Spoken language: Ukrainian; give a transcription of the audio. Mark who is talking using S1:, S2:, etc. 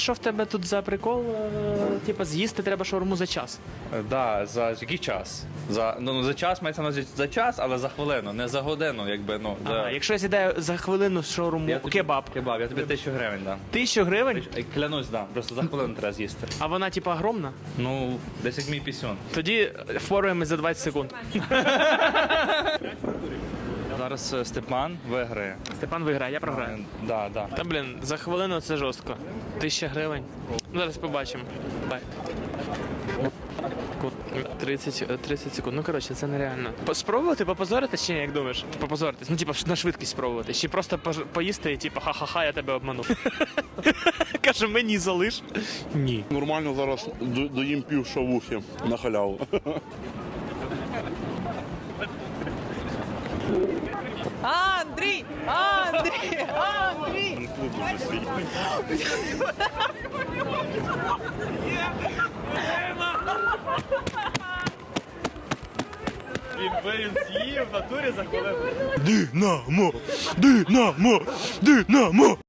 S1: Що в тебе тут за прикол? Типа з'їсти треба шаурму за час.
S2: Да, за який час? За час мається на увазі за час, але за хвилину, не за годину, якби, ну.
S1: Ага, якщо я з'їдаю за хвилину шаурму, кебаб.
S2: Кебаб, я тобі 1000 гривень дам.
S1: 1000 гривень?
S2: Клянусь, дам, просто за хвилину треба з'їсти.
S1: А вона типа огромна?
S2: Ну, десь як мій пісюн.
S1: Тоді впораємось за 20 секунд.
S2: Зараз Степан виграє.
S1: Степан виграє, я програю.
S2: Да.
S1: Та блін, за хвилину це жорстко. 1000 гривень. Ну, зараз побачимо. Бай. 30 секунд. Ну, коротше, це нереально. Спробувати попозоритись чи ні, як думаєш? Попозоритись. Ну, типа, на швидкість спробувати. Чи просто поїсти і типа, ха-ха-ха, я тебе обманув. Каже, мені залиш. Ні.
S3: Нормально зараз доїм пів шавухи на халяву.
S4: Андрій! Андрій! Андрій!
S1: Він з'їв в натурі за хвилину.
S3: Динамо! Динамо! Динамо!